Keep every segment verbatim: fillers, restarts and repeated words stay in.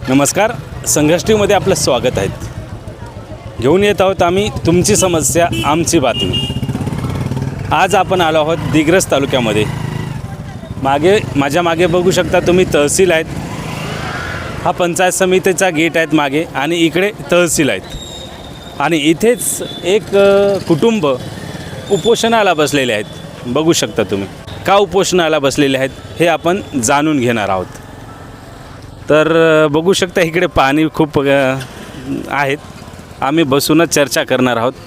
नमस्कार, संघर्ष टीव्हीमध्ये आपलं स्वागत आहे. घेऊन येत आहोत आम्ही तुमची समस्या आमची बातमी. आज आपण आलो आहोत दिग्रस तालुक्यामध्ये. मागे माझ्या मागे बघू शकता तुम्ही तहसील आहेत. हा पंचायत समितीचा गेट आहेत मागे आणि इकडे तहसील आहेत आणि इथेच एक कुटुंब उपोषणाला बसलेले आहेत. बघू शकता तुम्ही का उपोषणाला बसलेले आहेत हे आपण जाणून घेणार आहोत. तर बघू शकता इकडे पाणी खूप आहेत. आम्ही बसूनच चर्चा करणार आहोत.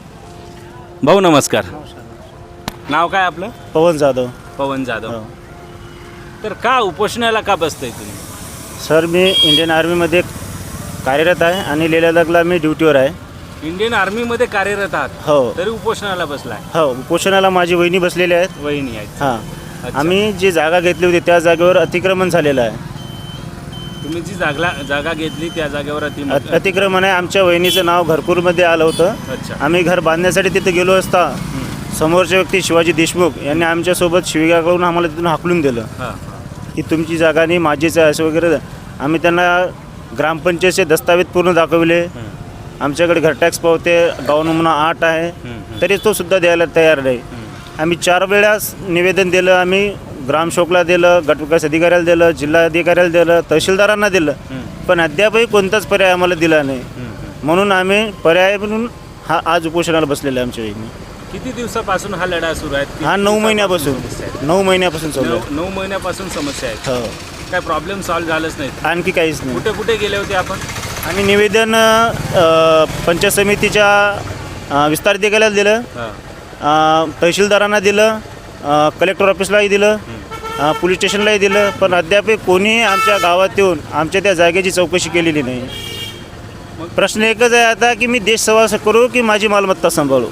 भाऊ नमस्कार. नाव काय आपलं? पवन जाधव. पवन जाधव. तर का उपोषणाला का बसताय तुम्ही? सर मी इंडियन आर्मीमध्ये कार्यरत आहे आणि लेह लडाखला मी ड्युटीवर आहे. इंडियन आर्मीमध्ये कार्यरत आहात? हो. तरी उपोषणाला बसलाय? हो, उपोषणाला माझी वहिनी बसलेली आहेत. वहिनी आहेत. हां, आम्ही जी जागा घेतली होती त्या जागेवर अतिक्रमण झालेलं आहे. तुम्ही जी जागा जागा घेतली त्या जागेवर अति अतिक्रमण आहे. आमच्या वहिनीचं नाव घरपूरमध्ये आलं होतं. अच्छा. आम्ही घर बांधण्यासाठी तिथे गेलो असता समोरचे व्यक्ती शिवाजी देशमुख यांनी आमच्यासोबत शिवीगाळ करून आम्हाला तिथून हाकलून दिलं की तुमची जागा नाही माझीच आहे असं वगैरे. आम्ही त्यांना ग्रामपंचायतचे दस्तावेज पूर्ण दाखवले. आमच्याकडे घर टॅक्स पावते गाव नमुना आठ आहे तरी तो सुद्धा द्यायला तयार नाही. आम्ही चार वेळास निवेदन दिलं. आम्ही ग्रामसेवकला दिलं, गटविकास अधिकाऱ्याला दिलं, जिल्हा अधिकाऱ्याला दिलं, तहसीलदारांना दिलं, पण अद्यापही कोणताच पर्याय आम्हाला दिला नाही. म्हणून आम्ही पर्याय म्हणून हा आज उपोषणाला बसलेला आहे. आमच्या वहिनी. किती दिवसापासून हा लढा सुरू आहे? हा नऊ महिन्यापासून नऊ महिन्यापासून चालू आहे. नऊ महिन्यापासून समस्या आहेत. हो. काय प्रॉब्लेम सॉल्व्ह झालंच नाही? आणखी काहीच नाही. कुठे कुठे गेले होते आपण? आणि निवेदन पंचायत समितीच्या विस्तार अधिकाऱ्याला दिलं, तहसीलदारांना दिलं, कलेक्टर ऑफिसलाही दिलं, पोलीस स्टेशनलाही दिलं, पण अद्याप कोणीही आमच्या गावात येऊन आमच्या त्या जागेची चौकशी केलेली नाही. प्रश्न एकच आहे आता की मी देश सेवा करू की माझी मालमत्ता सांभाळू.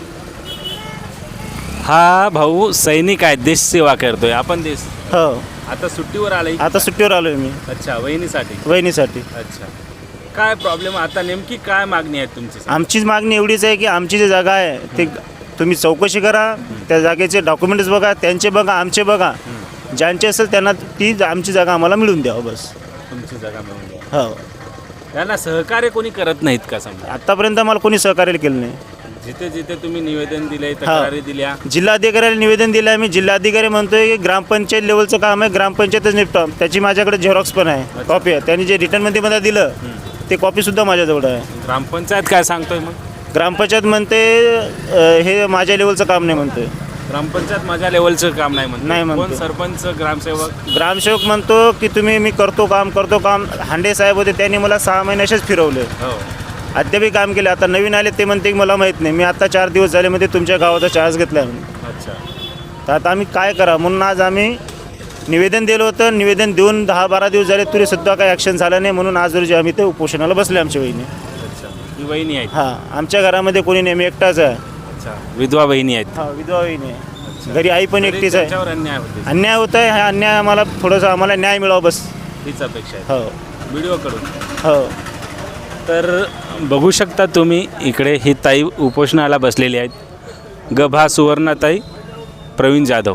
हा भाऊ सैनिक आहे, देश सेवा करतोय. आपण देश हो. आता सुट्टीवर आलाय? आता सुट्टीवर आलोय मी. अच्छा, वहिनीसाठी? वहिनीसाठी. अच्छा. काय प्रॉब्लेम आता नेमकी काय मागणी आहे तुमची? आमचीच मागणी एवढीच आहे की आमची जी जागा आहे ते तुम्ही चौकशी करा, त्या जागेचे डॉक्युमेंट्स बघा, त्यांचे बघा, आमचे बघा, ज्यांचे असेल त्यांना ती आमची जागा आम्हाला मिळून द्यावं बस. तुमची जागा मिळून द्या. हो. त्यांना सहकार्य कोणी करत नाहीत का? समजा आतापर्यंत आम्हाला कोणी सहकार्य केलं नाही. जिथे जिथे तुम्ही निवेदन दिले, तक्रारी दिल्या, जिल्हाधिकाऱ्याला निवेदन दिलं आहे. मी जिल्हाधिकारी म्हणतोय की ग्रामपंचायत लेवलचं काम आहे, ग्रामपंचायतच निपटा. त्याची माझ्याकडे झेरॉक्स पण आहे, कॉपी आहे. त्यांनी जे रिटर्नमध्ये मला दिलं ते कॉपीसुद्धा माझ्याजवळ आहे. ग्रामपंचायत काय सांगतोय मग? ग्रामपंचायत म्हणते हे माझ्या लेवलचं काम नाही म्हणतोय. ग्रामपंचायत माझ्या लेवलचं काम नाही म्हणतो? नाही म्हणतो. कोण? सरपंच, ग्रामसेवक? ग्रामसेवक म्हणतो की तुम्ही मी करतो काम करतो काम. हांडे साहेब होते त्यांनी मला सहा महिन्याशीच फिरवले. हो. अद्यापही काम केले. आता नवीन आले ते म्हणते की मला माहीत नाही. मी आता चार दिवस झाले मध्ये तुमच्या गावाचा चार्ज घेतला आहे. अच्छा. तर आता आम्ही काय करा म्हणून आज आम्ही निवेदन दिलं होतं. निवेदन देऊन दहा बारा दिवस झाले तरी सुद्धा काही ॲक्शन झालं नाही. म्हणून आज रोजी आम्ही ते उपोषणाला बसले आमच्या वहिनी. अच्छा. ही वहिनी आहे? हां, आमच्या घरामध्ये कोणी नेहमी एकटाच आहे. अच्छा. विधवा वहिनी आहेत? हां, विधवा वहिनी आहे. घरी आई पण एकटीच आहे. त्याच्यावर अन्याय होते? अन्याय होत आहे. हा अन्याय आम्हाला थोडंसं आम्हाला न्याय मिळावा बस हीच अपेक्षा आहे. हो. व्हिडिओकडून? हो. तर बघू शकता तुम्ही इकडे ही ताई उपोषणाला बसलेली आहेत. गभा सुवर्णाताई प्रवीण जाधव.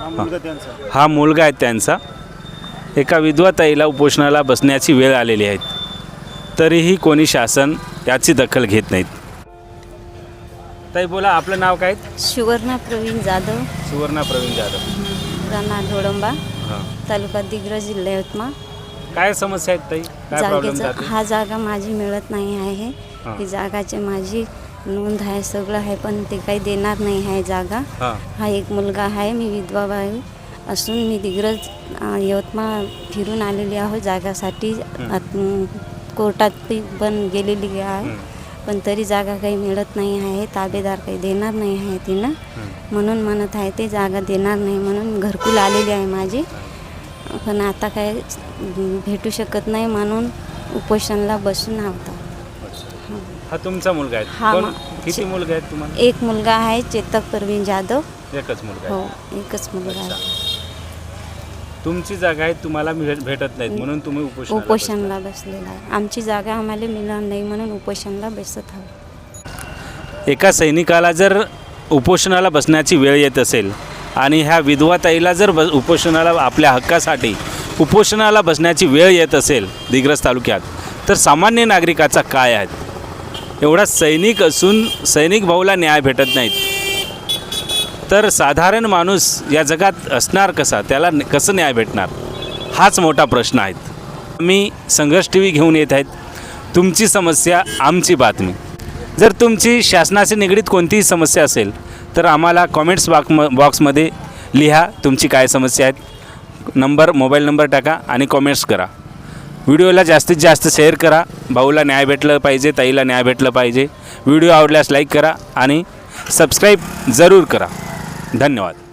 हा मुलगा आहे त्यांचा. एका विधवा ताईला उपोषणाला बसण्याची वेळ आलेली आहे, तरीही कोणी शासन याची दखल घेत नाहीत. ताई बोला, आपलं नाव काय? सुवर्णा प्रवीण जाधव. सुवर्णा प्रवीण जाधव. राहणार धोडंबा, हां. तालुका दिग्रस, जिल्हा यवतमाळ. काय समस्या आहेत ताई? काय प्रॉब्लेम जागेचं जाते? हा जागा माझी मिळत नाही आहे. हां. ही जागाची माझी नोंद आहे, सगळं आहे, पण ते काही देणार नाही आहे जागा. हां. हा एक मुलगा आहे. मी विधवा बाई असून मी दिग्रस यवतमाळ फिरून आलेली आहो जागासाठी. कोर्टात पण गेलेली आहे, पण तरी जागा काही मिळत नाही आहे. ताबेदार काही देणार नाही आहे तिनं. म्हणून म्हणत आहे ते जागा देणार नाही म्हणून घरकुल आलेली आहे माझी, पण आता काय भेटू शकत नाही म्हणून उपोषणाला बसून आहोत. हा तुमचा मुलगा आहे? हा. कोण? किती मुलगा आहेत तुम्हाला? एक मुलगा आहे, चेतक प्रवीण जाधव. एकच मुलगा हो, आहे? एकच मुलगा आहे. तुमची जागा आहे, तुम्हाला भेटत नाहीत म्हणून तुम्ही उपोषण उपोषणाला बसलेला आहे. आमची जागा आम्हाला मिळणार नाही म्हणून उपोषणाला बसत आहोत. एका सैनिकाला जर उपोषणाला बसण्याची वेळ येत असेल आणि ह्या विधवा ताईला जर ब उपोषणाला आपल्या हक्कासाठी उपोषणाला बसण्याची वेळ येत असेल दिग्रस तालुक्यात, तर सामान्य नागरिकाचा काय आहेत? एवढा सैनिक असून सैनिक भाऊला न्याय भेटत नाहीत तर साधारण माणूस या जगात असणार कसा? त्याला न- कसं न्याय भेटणार? हाच मोठा प्रश्न आहे. मी संघर्ष टी व्ही घेऊन येत आहेत. तुमची समस्या आमची बातमी. जर तुमची शासनाशी निगडीत कोणतीही समस्या असेल तर आम्हाला कॉमेंट्स बॉक्स बॉक्समध्ये लिहा तुमची काय समस्या आहेत. नंबर मोबाईल नंबर टाका आणि कॉमेंट्स करा. व्हिडिओला जास्तीत जास्त शेअर करा. भाऊला न्याय भेटलं पाहिजे, ताईला न्याय भेटलं पाहिजे. व्हिडिओ आवडल्यास लाईक करा आणि सबस्क्राईब जरूर करा. धन्यवाद.